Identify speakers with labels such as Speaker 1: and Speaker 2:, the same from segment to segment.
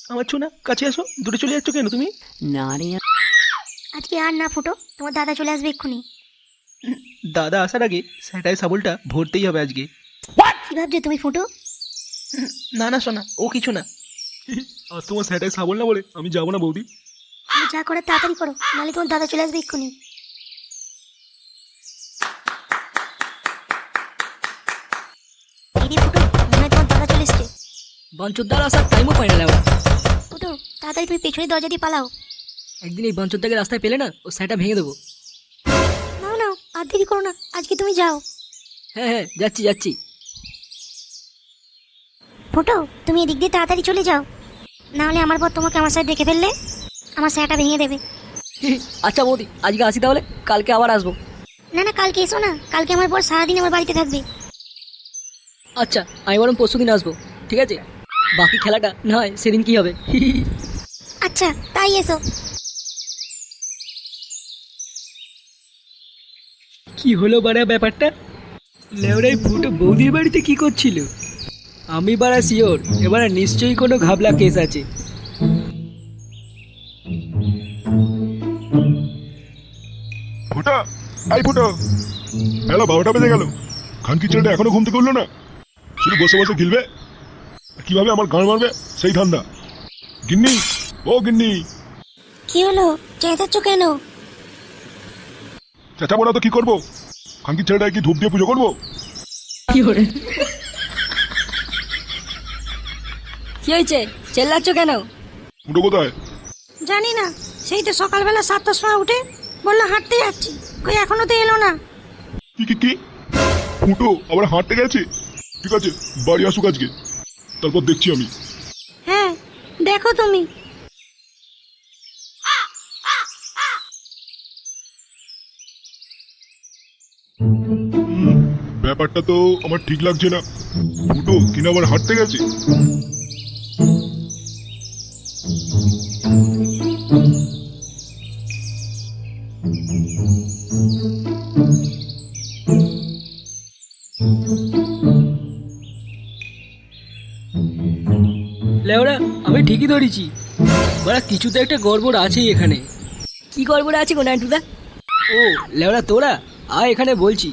Speaker 1: আমার ছোনা কাছে আসো, দূরে চলে যাচ্ছ কেন তুমি?
Speaker 2: Naughty.
Speaker 3: আজকে আর না ফুটো, তোমার দাদা চলে আসবে এক্ষুনি।
Speaker 1: দাদা আসার আগে স্যাটায় সাবলটা ভরতেই হবে আজকে।
Speaker 3: কি ভাবছো তুমি ফুটো?
Speaker 1: না না সোনা, ও কিছু না। আজ তোমার স্যাটায় সাবল না বলে আমি যাবো না বৌদি।
Speaker 3: তুমি যা করে তাড়াতাড়ি করো, নাহলে তোমার দাদা চলে আসবে এক্ষুনি। দিদি ফুটো, মনে হয় তোমার দাদা চলে এসছে।
Speaker 2: বাঞ্চোদ্দার আসার টাইমও পাই না লেওড়া।
Speaker 3: ফুটো, তাড়াতাড়ি তুমি পেছনের দরজা দিয়ে পালাও।
Speaker 2: একদিন এই বাঞ্চোদ্দাকে রাস্তায় পেলে না, ও স্যাটা ভেঙে দেবো।
Speaker 3: নাও নাও, আর দেরি করো না, আজকে তুমি যাও।
Speaker 2: হ্যাঁ হ্যাঁ, যাচ্ছি যাচ্ছি।
Speaker 3: ফুটো, তুমি এদিক দিয়ে তাড়াতাড়ি চলে যাও, নাহলে আমার পর তোমাকে আমার সাথে দেখে ফেললে আমার স্যাটা ভেঙে দেবে।
Speaker 2: আচ্ছা বৌদি, আজকে আসি তাহলে, কালকে আবার আসবো।
Speaker 3: না না, কালকে এসো না, কালকে আমার পর সারাদিন আমার বাড়িতে থাকবে।
Speaker 2: আচ্ছা, আমি বরং পরশু দিন আসবো, ঠিক আছে? বাকি খেলাটা না হয় সেদিন কি হবে।
Speaker 3: আচ্ছা, তাই এসো।
Speaker 2: কি হলো বাড়া ব্যাপারটা? লেওড়াই ফুটো বৌদির বাড়িতে কি করছিল? আমি বাড়া শিওর এবারে নিশ্চয়ই কোনো ঘাবলা কেস আছে।
Speaker 4: ফুটা, আই ফুটো, বেলা 12টা বেজে গেল, খানকি ছেলেটা এখনো ঘুম থেকে উঠলো না। শুধু বসে বসে গিলবে, কিভাবে আমার গান মারবে সেই ধান্দা। গিন্নি, ও গিন্নি,
Speaker 3: কি হলো, চেঁচাচ্ছ কেন?
Speaker 4: চেঁচাবো না তো কি করবো? খানকি ছেলেটাকে কি ধূপ দিয়ে পুজো করবো?
Speaker 2: কি হলো? কি হয়েছে, চেল্লাচ্ছ কেন?
Speaker 4: ফুটো কোথায়?
Speaker 3: জানি না, সেই তো সকালবেলা 7টার সময় উঠে বললো হাঁটতে যাচ্ছি, কই এখনো তো এলো না।
Speaker 4: কি কি কি? ফুটো আবার হাঁটতে গেছে? ঠিক আছে, বাড়ি আসুক আজকে, তারপর দেখছি আমি।
Speaker 3: হ্যাঁ, দেখো তুমি।
Speaker 4: ব্যাপারটা তো আমার ঠিক লাগছে না। ফুটো কিনা আবার হাঁটতে গেছে?
Speaker 2: লেওড়া, আমি ঠিকই ধরেছি, বাড়া কিছু তো একটা গড়বড় আছেই এখানে। কি গড়বড় আছে গো নান্টুদা? ও লেওড়া, তোরা আয় এখানে বলছি।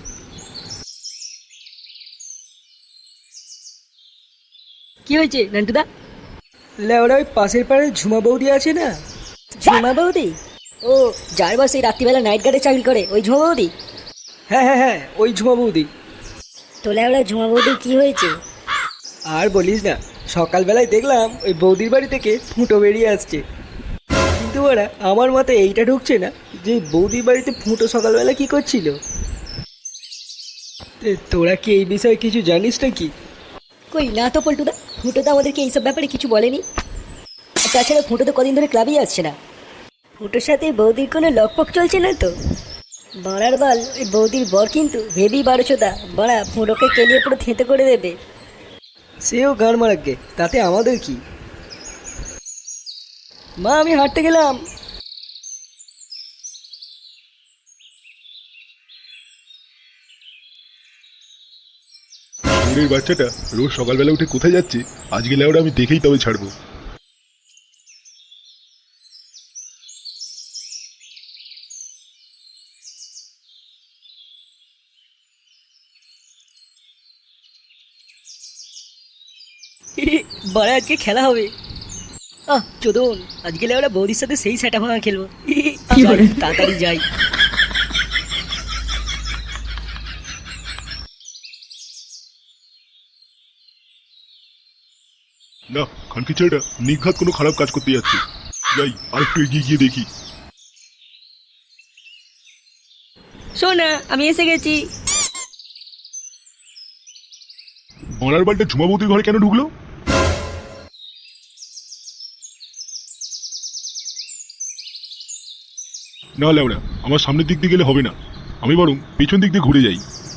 Speaker 2: কি হয়েছে নান্টুদা? লেওড়া, ওই পাশের পাড়ে ঝুমা বৌদি আছে না? ঝুমা বৌদি? ও, যার বাস এই রাত্রিবেলা নাইট গার্ডে চাকরি করে, ওই ঝুমা বৌদি? হ্যাঁ হ্যাঁ হ্যাঁ, ওই ঝুমা বৌদি।
Speaker 3: তো লেওড়া, ঝুমা বৌদির কি হয়েছে?
Speaker 2: আর বলিস না, সকালবেলায় দেখলাম ওই বৌদির বাড়ি থেকে ফুটো বেরিয়ে আসছে। কিন্তু ওরা আমার মতে এইটা ঢুকছে না যে বৌদির বাড়িতে ফুটো সকালবেলা কি করছিল। তোরা কি এই বিষয়ে কিছু জানিস নাকি? কই না তো পল্টুদা, ফুটো তো আমাদেরকে এইসব ব্যাপারে কিছু বলেনি। আর তাছাড়া ফুটো তো কদিন ধরে ক্লাবেই আসছে না। ফুটোর সাথে বৌদির কোনো লকপক চলছে না তো? বাড়ার বাল, ওই বৌদির বর কিন্তু হেভি 12শোদা, বাড়া ফুটোকে কেলিয়ে পুরো থেঁতে করে দেবে। সেও গান মারাকে, তাতে আমাদের কি? মা, আমি হাঁটতে গেলাম।
Speaker 4: শরীরের বাচ্চাটা রোজ সকালবেলা উঠে কোথায় যাচ্ছে আজকে লেওরা আমি দেখেই তবে ছাড়বো।
Speaker 2: বাড়া, আজকে খেলা হবে। চোদন, আজকে ওরা বৌদির সাথে সেই সেটা ভাঙা খেলবো। যাই, তাড়াতাড়ি যাই।
Speaker 4: না, খানকি ছেলেটা নিঘাত কোনো খারাপ কাজ করতে যাচ্ছে। যাই আর একটু এগিয়ে গিয়ে দেখি।
Speaker 2: শোনা, আমি এসে গেছি।
Speaker 4: বনার বালটা ঝুমা বৌদির ঘরে কেন ঢুকলো? না লেওড়া, আমার সামনের দিক দিয়ে গেলে হবে না, আমি বরং পেছন দিক দিয়ে ঘুরে যাই।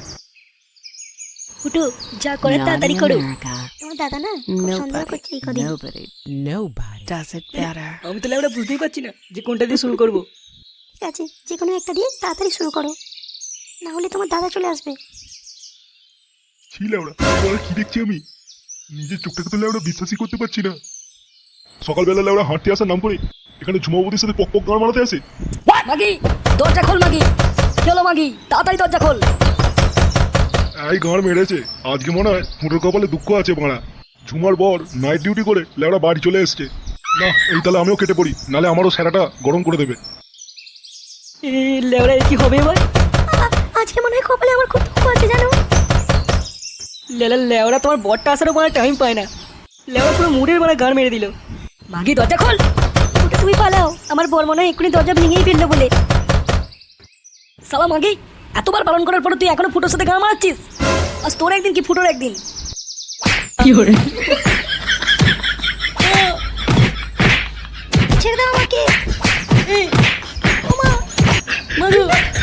Speaker 3: ফুটু, যা করে তাড়াতাড়ি করো।
Speaker 5: America.
Speaker 3: তোমার দাদা না খুব সন্দেহ করছে এই কদিন।
Speaker 5: Nobody does it better.
Speaker 2: আমি তো লেওড়া বুঝতেই পারছি না যে কোনটা দিয়ে শুরু করবো।
Speaker 3: ঠিক আছে, যে কোনো একটা দিয়ে তাড়াতাড়ি শুরু করো, না হলে তোমার দাদা চলে আসবে।
Speaker 4: ছি লেওড়া, এবার কি দেখছি আমি? নিজের চোখটাকে তো লেওড়া বিশ্বাসই করতে পারছি না। সকালবেলা ওরা হাঁটতে আসার নাম করে এখানে ঝুমাবতির সাথে পক পক গান মারাতে আসে।
Speaker 2: মাগি দরজা খোল মাগি, চলো মাগি তাড়াতাড়ি দরজা খোল।
Speaker 4: এই গান মেরেছে, আজকে মনে হয় ফুটোর কপালে দুঃখ আছে বাড়া। ঝুমার বর নাইট ডিউটি করে লেওড়া বাড়ি চলে এসছে। না এই তাহলে আমিও কেটে পড়ি, নালে আমারও স্যারাটা গরম করে দেবে।
Speaker 2: লেওড়া কি হবে এবার?
Speaker 3: আজকে মনে হয় কপালে আমার খুব দুঃখ আছে জানো।
Speaker 2: লেওড়া তোমার বরটা আসারও মানে টাইম পায় না, লেওড়া পুরো মুডের মানে গান মেরে দিল। মাগি দরজা খোল।
Speaker 3: ফুটো তুমি পালাও, আমার বর মনে হয় এক্ষুনি দরজা ভেঙেই ফেললো বলে।
Speaker 2: সালা মাগি, এতবার পালন করার পর তুই এখনো ফুটোর সাথে গান মারাচ্ছিস? আজ তোর একদিন কি ফুটোর একদিন।
Speaker 3: ছেড়ে দাও আমাকে।
Speaker 2: মাগো